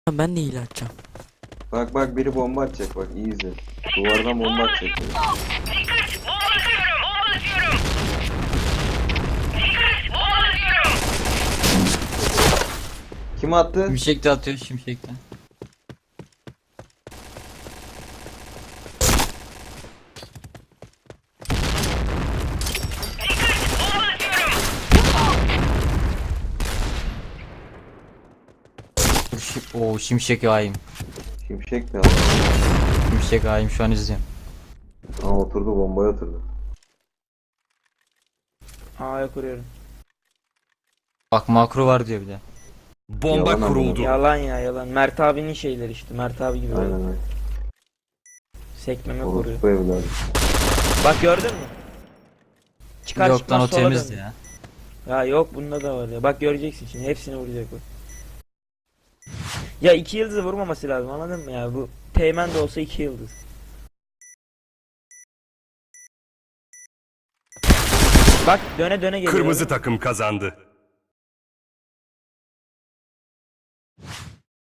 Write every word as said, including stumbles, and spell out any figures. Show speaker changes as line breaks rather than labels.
Ben de hile açacağım.
Bak bak biri bomba atacak bak iyi izle. Duvardan bomba atacak biri.
Dikkat! Bomba atıyorum! Bomba atıyorum! Dikkat! Bomba atıyorum!
Kim attı?
Şimşek de atıyor şimşekten.
Bomba atıyorum!
Dur, şi- Oo şimşek haim.
Şimşek ne abi?
Şimşek haim şu an izliyorum.
Aa oturdu bombaya oturdu.
A'ya kuruyorum.
Bak makro var diyor bir de.
Bomba
Yalan
kuruldu.
Yalan ya yalan. Mert abinin şeyleri işte. Mert abi gibi.
Aynen aynen.
Sekmeme koruyor.
Orospu evladı.
Bak gördün mü? Çıkar
Yok lan
çıkmaz
o
sola
temizdi
dön.
ya.
Ya yok bunda da var ya. Bak göreceksin şimdi hepsini vuracak bu. Ya iki yıldızı vurmaması lazım anladın mı ya? Bu Teğmen de olsa iki yıldız. Bak döne döne geliyor.
Kırmızı takım kazandı.